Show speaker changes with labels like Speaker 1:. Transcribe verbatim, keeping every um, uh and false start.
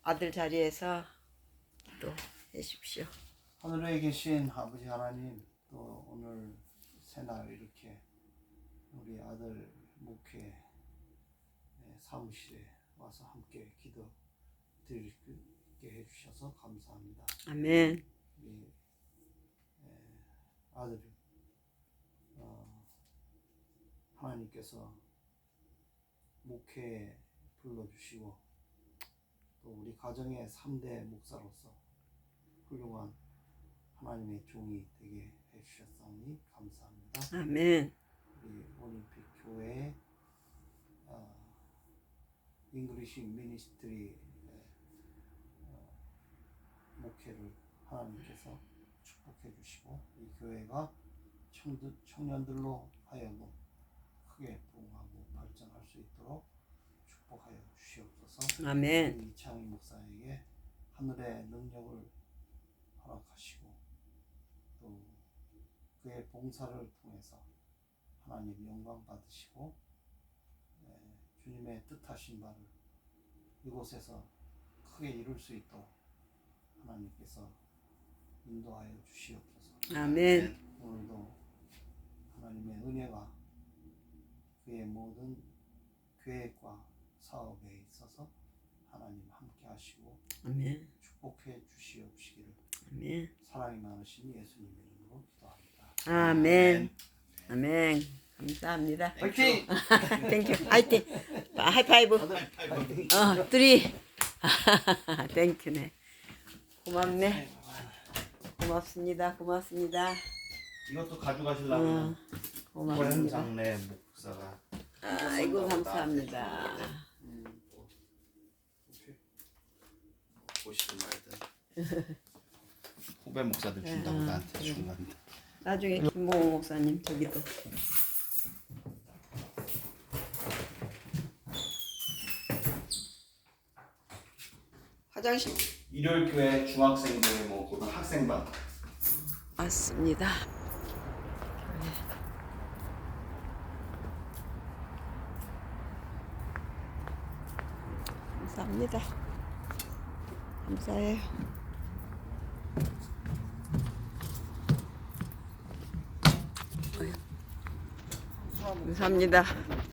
Speaker 1: 아들 자리에서 기도해 주십시오.
Speaker 2: 하늘에 계신 아버지 하나님, 또 오늘 새날 이렇게 우리 아들 목회 사무실에 와서 함께 기도 드리게 해주셔서 감사합니다.
Speaker 1: 아멘.
Speaker 2: 우리 아들 어, 하나님께서 목회에 불러주시고 또 우리 가정의 삼 대 목사로서 훌륭한 하나님의 종이 되게 해주셨사오니 감사합니다.
Speaker 1: 아멘.
Speaker 2: 우리 올림픽 교회 어, 잉글리시 미니스트리 어, 목회를 하나님께서 축복해 주시고 이 교회가 청들, 청년들로 하여금 크게 부흥하고 발전할 수 있도록 축복하여 주시옵소서.
Speaker 1: 아멘.
Speaker 2: 이창희 목사에게 하늘의 능력을 허락하시고 또 그의 봉사를 통해서 하나님 영광 받으시고 예, 주님의 뜻하신 바를 이곳에서 크게 이룰 수 있도록 하나님께서 인도하여 주시옵소서.
Speaker 1: 아멘.
Speaker 2: 오늘도 하나님의 은혜가 그의 모든 계획과 사업에 있어서 하나님 함께 하시고
Speaker 1: 아멘.
Speaker 2: 축복해 주시옵시기를
Speaker 1: 아멘.
Speaker 2: 사랑이 많으신 예수님의 이름으로 기도합니다.
Speaker 1: 아멘. 아멘. 감사합니다.
Speaker 2: 화이팅!
Speaker 1: 땡큐. 화이팅. 하이파이브. 어, 쓰리. 땡큐네. 고맙네. 고맙습니다. 고맙습니다.
Speaker 2: 이것도
Speaker 1: 어,
Speaker 2: 가져가시려면
Speaker 1: 고맙습니다.
Speaker 2: 장례 목사가
Speaker 1: 아이고 감사합니다.
Speaker 2: 보시든 말든 후배 목사들 준다고
Speaker 1: 아,
Speaker 2: 나한테
Speaker 1: 그래.
Speaker 2: 준 건데
Speaker 1: 나중에 김봉호 목사님 저기도. 화장실
Speaker 2: 일요일 교회 중학생들 뭐 고등학생반
Speaker 1: 왔습니다. 감사합니다. 감사해요. 감사합니다.